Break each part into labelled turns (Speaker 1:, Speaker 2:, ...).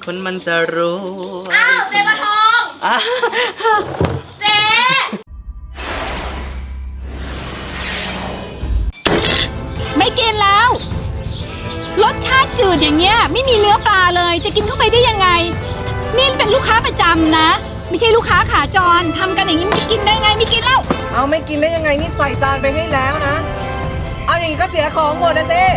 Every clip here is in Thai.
Speaker 1: คนมันจะรู้
Speaker 2: อ้าวเจ๊ปลาทองเจ๊
Speaker 3: ไม่กินแล้วรสชาติจืดอย่างเงี้ยไม่มีเนื้อปลาเลยจะกินเข้าไปได้ยังไงนี่เป็นลูกค้าประจำนะไม่ใช่ลูกค้าขาจรทำกันอย่างนี้ไม่กินได้ไงไม่กินแล้ว
Speaker 4: เอาไม่กินได้ยังไงนี่ใส่จานไปให้แล้วนะเอาอย่างนี้ก็เสียของหมดนะสิ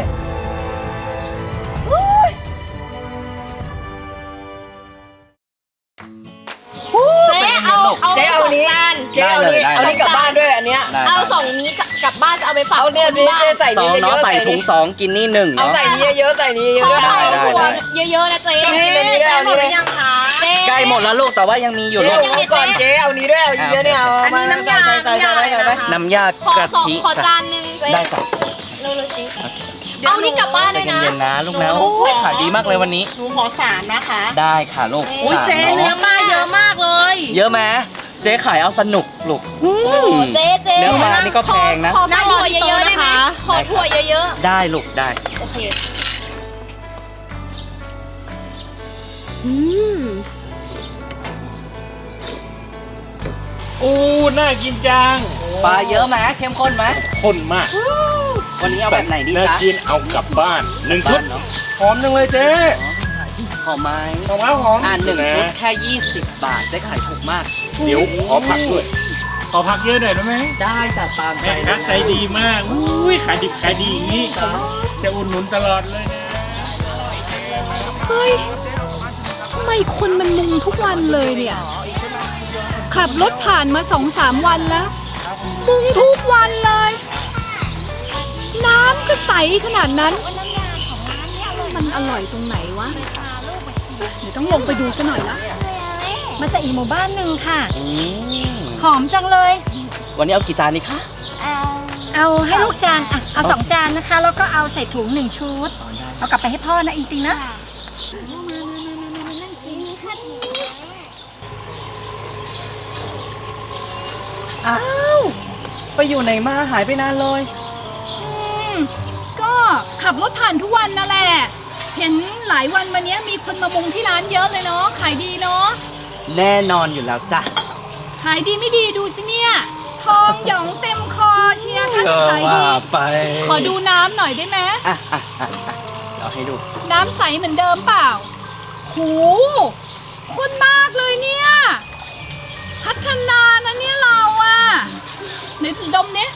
Speaker 2: เจ๊เอานี้เจ๊เอานี้กลับบ้านด้วยอันเนี้ยเอา2นี้กลับบ้านจะเอาไปฝากเนี่ยเจ๊ใส่นี้เยอะ
Speaker 1: ใส่ถุง2กินนี่1
Speaker 2: เอาใส่นี้เยอะใส่นี้เยอะได้เยอะๆนะเจ๊หมดหรือยังคะ
Speaker 1: ใกล้หมดแล้วลูกแต่ว่ายังมีอยู่ลูก
Speaker 2: ก่อนเจ๊เอานี้ด้วยเอาเยอะเนี่ยเอาอันนี้น้ำยา
Speaker 1: น้ำยากะทิ
Speaker 2: ขอจานนึง
Speaker 1: ได้จ้ะ
Speaker 2: เร็วๆสิเอานี่กลับบ้านด้วยนะ
Speaker 1: เย็นๆนะลูกนะขายดีมากเลยวันนี้
Speaker 2: หนูขอ3นะคะ
Speaker 1: ได้ค่ะลูก
Speaker 3: อุ้ยเจ๊เนื้อปลาเยอะมากเลย
Speaker 1: เยอะไหมเจ๊ขายเอาสนุกลูก
Speaker 2: เจ๊
Speaker 1: เนื้อปลานี่ก็แพงนะ
Speaker 2: ขอถั่วเยอะๆได้ไหมขอถั่วเยอะ
Speaker 1: ๆได้ลูกได้
Speaker 2: โอเค
Speaker 5: น่ากินจัง
Speaker 1: ปลาเยอะไหมเข้มข้นไหม
Speaker 5: ข้นมาก
Speaker 1: วันนี้เอาแบบไหนดีจ๊ะ
Speaker 5: น่ากินเอากลับบ้าน1ชุดหอมจังเลยเจ๊
Speaker 1: หอมไหม
Speaker 5: หอมหอม
Speaker 1: 1ชุดแค่20 บาทเจ๊ขายถูกมาก
Speaker 5: เดี๋ยวขอผักด้วยขอผักเยอะหน่อยได้ไหม
Speaker 1: ได้จัดตาม
Speaker 5: ใจใจดีมากอุ้ยขายดิบขายดีอย่างนี้จะอุดหนุนตลอดเลยนะ
Speaker 3: เฮ้ยทำไมคนมันมุงทุกวันเลยเนี่ยขับรถผ่านมา 2-3 วันแล้วมุงทุกวันเลยน้ำก็ใสขนาดนั้นมันอร่อยตรงไหนวะเดี๋ยวต้องลงไปดูซะหน่อยละมาจากอีกหมู่บ้านหนึ่งค่ะหอมจังเลย
Speaker 1: วันนี้เอากี่จานดีคะ
Speaker 3: เอาให้ลูกจานเอา2 จานนะคะแล้วก็เอาใส่ถุง1 ชุดเอากลับไปให้พ่อนะอิงติงนะ
Speaker 1: อ้าวไปอยู่ไหนมาหายไปนานเลย
Speaker 3: ก็ขับรถผ่านทุกวันนั่นแหละเห็นหลายวันมานี้มีคนมามุงที่ร้านเยอะเลยเนาะขายดีเนาะ
Speaker 1: แน่นอนอยู่แล้วจ้ะ
Speaker 3: ขายดีไม่ดีดูสิเนี่ยทองหยองเต็มคอเชียร์ถ้าจะขายดีขอดูน้ำหน่อยได้ไหม
Speaker 1: เดี๋ยวให้ดู
Speaker 3: น้ำใสเหมือนเดิมเปล่าหูข้นมากเลยเนี่ยพัฒนานะเนี่ยเราอะไหนถึงดมเนี่ย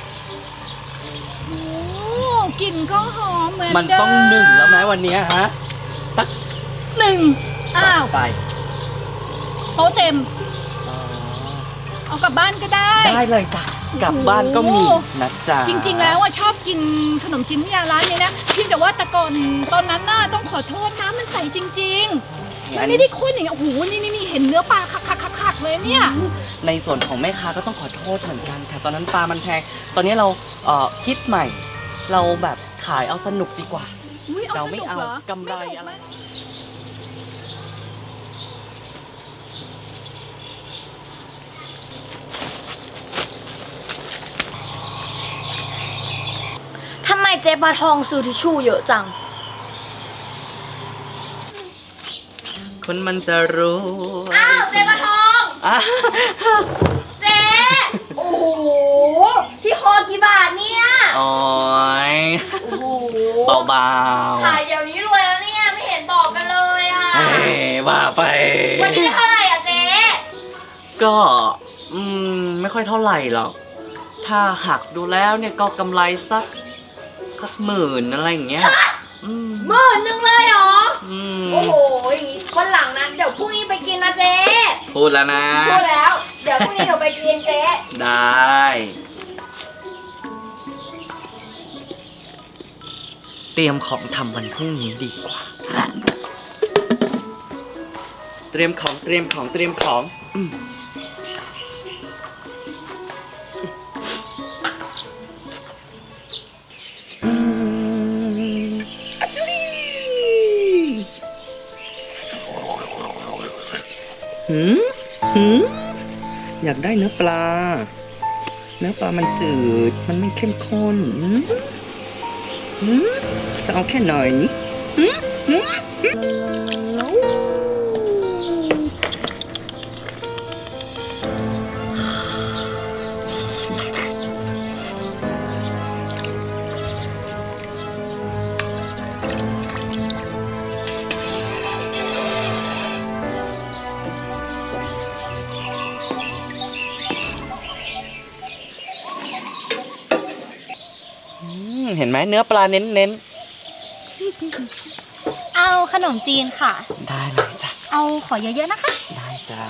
Speaker 3: กลิ่นก็หอมเหมือนเดิม
Speaker 1: มันต้อง1แล้วไหมวันนี้ฮะสัก
Speaker 3: 1อ้าว
Speaker 1: ไป
Speaker 3: โต๊ะเต็มเอากลับบ้านก็ได้
Speaker 1: เลยจ้ะกลับบ้านก็มีนะจ๊ะ
Speaker 3: จริงๆแล้วว่าชอบกินขนมจีนน้ำยาร้านนี้นะเพียงแต่ว่าแต่ก่อนตอนนั้นน่ะต้องขอโทษน้ำมันใสจริงๆมันไม่ได้ข้นอย่างเงี้ยโอ้โหนี่เห็นเนื้อปลาคักๆเลยเนี่ย
Speaker 1: ในส่วนของแม่ค้าก็ต้องขอโทษเหมือนกันค่ะตอนนั้นปลามันแพงตอนนี้เราคิดใหม่เราแบบขายเอาสนุกดีกว่าเราไม่เอากำไรอะไร
Speaker 2: ทำไมเจ๊ปลาทองซื้อทิชชู่เยอะจัง
Speaker 1: คนมันจะรู้
Speaker 2: อ้าวเจ๊ปลาทองเจ๊โอ้โหพี่คอกี่บาทเนี่ย
Speaker 1: โอ้ยเบา
Speaker 2: ๆขายเดี๋ยวนี้รวยแล้วเนี่ยไม่เห็นบอกกันเลยอ่ะ
Speaker 1: ว่าไป
Speaker 2: วันนี้เท่าไหร่อ่ะเจ๊
Speaker 1: ก็ไม่ค่อยเท่าไหร่หรอกถ้าหักดูแล้วเนี่ยก็กำไรสัก10,000อะไรอย่างเงี้ย
Speaker 2: 10,000เลยเหรอโอ้โหอย่างงี้วันหลังนั้นเดี๋ยวพรุ่งนี้ไปกินนะเจ๊
Speaker 1: พูดแล้วนะ
Speaker 2: พูดแล้วเดี๋ยวพรุ่งนี้เราไปกินเจ๊
Speaker 1: ได้เตรียมของทำวันพรุ่งนี้ดีกว่าเตรียมของอยากได้เนื้อปลามันจืดมันไม่เข้มข้นจะเอาแค่หน่อยเห็นไหมเนื้อปลาเน้น
Speaker 6: เอาขนมจีนค่ะ
Speaker 1: ๆได้เลยจ้ะ
Speaker 6: เอาขอเยอะๆนะคะ
Speaker 1: ได้จ้า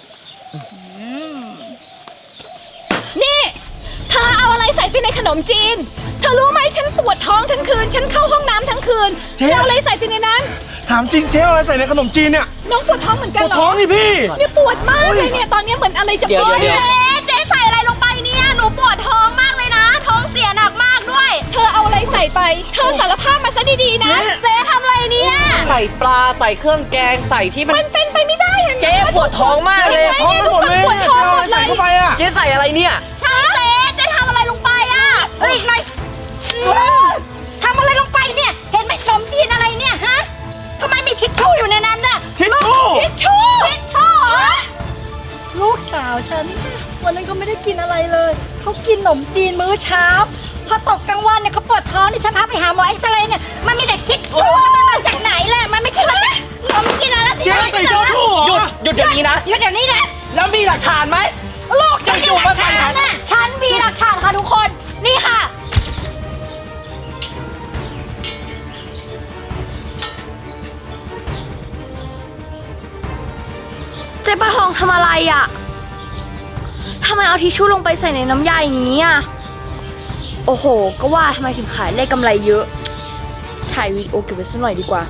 Speaker 3: นี่เธอเอาอะไรใส่ไปในขนมจีน เธอรู้ไหมฉันปวดท้องทั้งคืน ฉันเข้าห้องน้ำทั้งคืน
Speaker 7: เจ๊
Speaker 3: เธอเอาอะไรใส่ไปในนั้น
Speaker 7: ถามจริงเจ๊เอาอะไรใส่ในขนมจีนเนี่ย
Speaker 3: น้องปวดท้องเหมือนกัน
Speaker 7: ปวด
Speaker 3: เหร
Speaker 7: ท้
Speaker 3: อ
Speaker 7: องนี่พี่
Speaker 3: เนี่ยปวดมากเลยเนี่ย ตอนนี้เหมือนอะไรจะ
Speaker 1: เดี๋ยว
Speaker 3: ปวด
Speaker 1: เดี๋ยว
Speaker 2: เจ๊ใส่อะไรลงไปเนี่ย หนูปวดท้องมากเลยนะ ท้องเสียหนักมากด้วย
Speaker 3: เธอเอาอะไรใส่ไป เธอสารภาพมาซะดีๆนะ
Speaker 2: เจ๊ทำอะไรเนี่ย
Speaker 1: ใส่ปลาใส่เครื่องแกงใส่ที่มัน
Speaker 3: มันเป็นไปไม่ได้อะ
Speaker 1: เจ๊ปวดท้องมากเลย
Speaker 7: ท้องกันหมดเลย
Speaker 3: ปวด
Speaker 7: เนี่ย
Speaker 3: ท้อง
Speaker 7: เจ๊เอา
Speaker 3: หม
Speaker 7: อะไร
Speaker 3: ดเล
Speaker 7: ใส่
Speaker 3: ย
Speaker 7: เข้าไปอ่ะ
Speaker 1: เจ๊ใส่อะไรเนี่ย
Speaker 2: ใช่เจ๊ทำอะไรลงไปอ่ะอีกหน่อยทำอะไรลงไปเนี่ย เห็นไหมขนมจีนอะไรเนี่ยฮะทำไมมีทิชชู่อยู่ในนั้นน่ะ
Speaker 7: ทิชชู่
Speaker 3: ทิชชู่
Speaker 2: ทิชชู่เหรอ
Speaker 6: ลูกสาวฉัน วันนั้นก็ไม่ได้กินอะไรเลย เขากินขนมจีนมื้อเช้า พอตกกลางวันเนี่ยเขาปวดท้องนี่ฉันพาไปหาหมอเอ็กซเรย์เนี่ย มันมีแต่ทิชชู่มันมาจากไหนล่ะ มันไม่ใช่มาจากขนมจีนอะไร
Speaker 7: เจ๊ใส่ทิชชู่เหรอ
Speaker 1: หยุดเดี๋ยวนี้นะ
Speaker 2: หยุดเดี๋ยวนี้นะ
Speaker 1: แล้วมีหลักฐานไหม
Speaker 2: ลูกฉันมีหลักฐานน่ะฉันมีหลักฐานค่ะทุกคน นี่ค่ะ
Speaker 6: เจ๊ปลาทองทำอะไรอ่ะทำไมเอาทิชชู่ลงไปใส่ในน้ำยาอย่างนี้อ่ะ โอ้โห ก็ว่าทำไมถึงขายได้กำไรเยอะ ถ่ายวีดีโอเก็บไว้สักหน่อยดีกว่า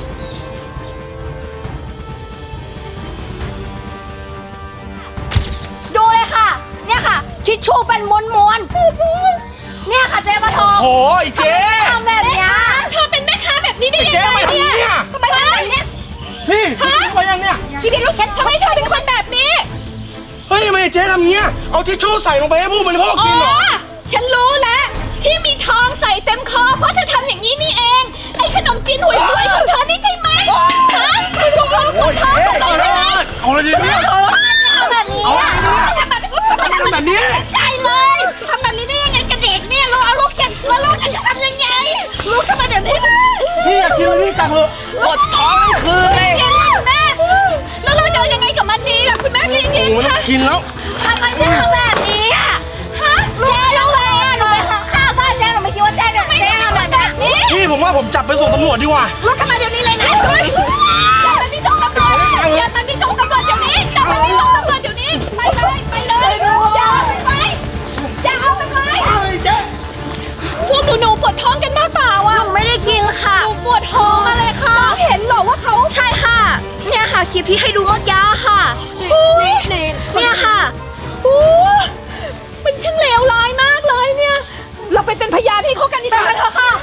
Speaker 2: ดูเลยค่ะ เนี่ยค่ะ ทิชชู่เป็นม้วนๆเนี่ยค่ะเจ๊ปลาทอง
Speaker 7: โอ้ยเจ๊
Speaker 2: ทำแบบเนี้ย
Speaker 3: เธอเป็นแม่ค้าแบบนี้ได้
Speaker 7: ไอ้
Speaker 3: ยัง
Speaker 7: เจ๊
Speaker 3: ไง
Speaker 7: มาทำ
Speaker 3: เนี่ย
Speaker 7: เนี่ย
Speaker 2: ทำไมทำแบบเนี้ย
Speaker 7: พี่มายังเนี่ย
Speaker 2: ชีวิตลูกฉัน
Speaker 3: ทำไมเธอเป็นคนแบบนี้
Speaker 7: เฮ้ยทำไมเจ๊ทำเงี้ย เอาทิชชู่ใส่ลงไปให้ผู้บริโภค
Speaker 3: อ๋
Speaker 7: กินเหรอ
Speaker 3: อ ฉันรู้แล้ว ที่มีทองใส่เต็มคอ เพราะเธอทำอย่างนี้นี่เอง ไอ้ขนมจีนห่วยๆของเธอนี่ใช่ไหมฮะคุณลูกท้องปวดท้องของเธอใช่ไหม
Speaker 7: เอาเลยดิเนี่ย
Speaker 2: ทำแบบนี้
Speaker 7: เอา
Speaker 2: อะ
Speaker 7: เลยดิเนี่ย
Speaker 2: ทำแบบนี้
Speaker 7: ทำแบบนี้
Speaker 2: ใจเลยทำแบบนี้ได้ยังไงกับเด็กเนี่ยเราเอาลูกฉันแล้วลูกฉันจะทำยังไง ลูกทำไมเดี๋ยวนี้เลย
Speaker 7: พี่อยากกินอะไรพี่ตักเถอะ
Speaker 1: ปวดท้องทั้งคืนเลย
Speaker 3: เย็นค่ะคุณแม่ แล้วเราจะเอายังไงกับมันดีล่ะคุณแม่ใจ
Speaker 7: โอ้
Speaker 3: เย็น
Speaker 7: โห
Speaker 3: ๆ
Speaker 7: ต้อ
Speaker 3: ค่ะ
Speaker 7: งกินแล้ว
Speaker 2: ทำไมเจ๊ทำแบบนี้อ่ะฮะเจ๊เราไปหนูไปข้าวบ้านเจ๊หนูไม่คิดว่าเจ๊แบบเจ๊ทำแบบนี้
Speaker 7: พี่ผมว่าผมจับไปส่งตำรวจดีกว่า
Speaker 2: ลูกทำไมเดี๋ยวนี้เลยนะ
Speaker 3: จับมันที่ช่องตำรวจจับมันที่ช่องตำรวจเดี๋ยวนี้จับมันที่ช่องตำรวจเดี๋ยวนี้ ไปเลยไปเลยอย่าเอาไปไหมอย่าเอาไปไหม พวกหนูปวดท้องกันบ้าเปล่าอ่ะ
Speaker 6: ไม่ได้กินค่ะ
Speaker 3: หนูปวดท้องมาเลยค่ะเห็นเหรอว่าเขา
Speaker 6: ใช่ค่ะ เนี่ยค่ะคลิปที่ให้ดูเมื่อกี้ค่ะ เนี่ยค่ะ
Speaker 3: โอ้มันช่างเลวร้ายมากเลยเนี่ย เราไปเป็นพยานให้เขากันดีกว่าเถอะค่ะ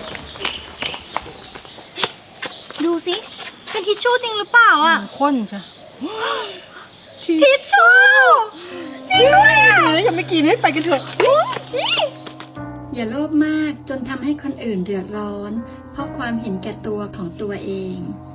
Speaker 6: ดูสิเป็นทิชชู่จริงหรือเปล่าอ่ะ
Speaker 4: ข้นจ้ะ
Speaker 6: ทิชชู่จริงด้วยอ่ะ
Speaker 4: แล้วยังไม่กินให้ไปกันเถอะ
Speaker 8: อย่าโลภมากจนทำให้คนอื่นเดือดร้อน เพราะความเห็นแก่ตัวของตัวเอง